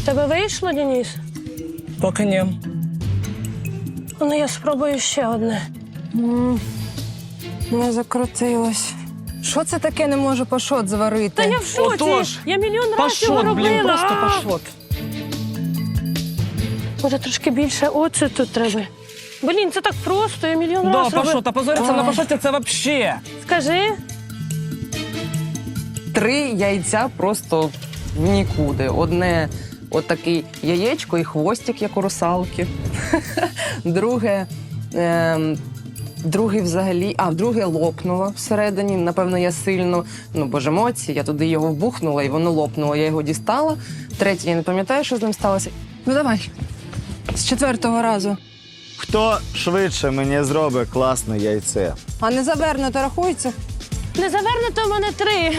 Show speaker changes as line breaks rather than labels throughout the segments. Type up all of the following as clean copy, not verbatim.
Тебе вийшло, Денис?
Поки ні.
Ну, я спробую ще одне.
Не закрутилось. Що це таке не можу пашот зварити?
Та я в шоці.
Отож,
Я мільйон разів його
Пашот,
робила.
блін, просто
А!
пашот.
Може, трошки більше оцету треба. Блін, це так просто, я мільйон
Да,
разів робила.
пашот, а позориться на пашоті це вообще.
Скажи.
3 яйця просто в нікуди. Одне отакий яєчко і хвостик, як у русалки. Друге взагалі, друге лопнуло всередині. Напевно, я сильно, бо ж емоції, я туди його вбухнула і воно лопнуло. Я його дістала. Третє, я не пам'ятаю, що з ним сталося. Ну давай, з 4-го разу.
Хто швидше мені зробить класне яйце?
А не завернуто рахується?
Не завернуто в мене 3.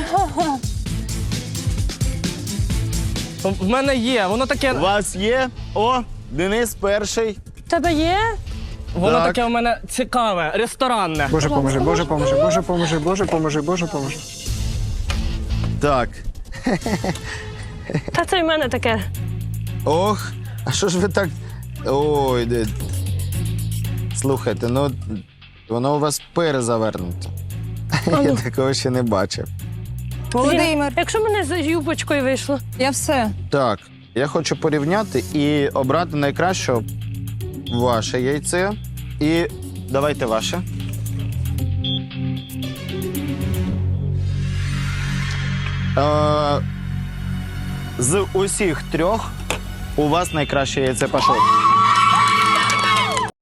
В мене є, воно
У
таке,
вас є? О, Денис перший.
Тебе є?
воно
Так.
таке в мене цікаве, ресторанне.
Боже поможи, Боже поможи, Боже поможи, Боже поможи, Боже поможи.
Так.
Та це й в мене таке.
Ох, а що ж ви так. Ой, слухайте, воно у вас перезавернуто. Я такого ще не бачив.
Володимир,
Якщо в мене з юбочкою вийшло.
я все.
Так, я хочу порівняти і обрати найкраще ваше яйце. І давайте ваше. З усіх 3 у вас найкраще яйце пашот.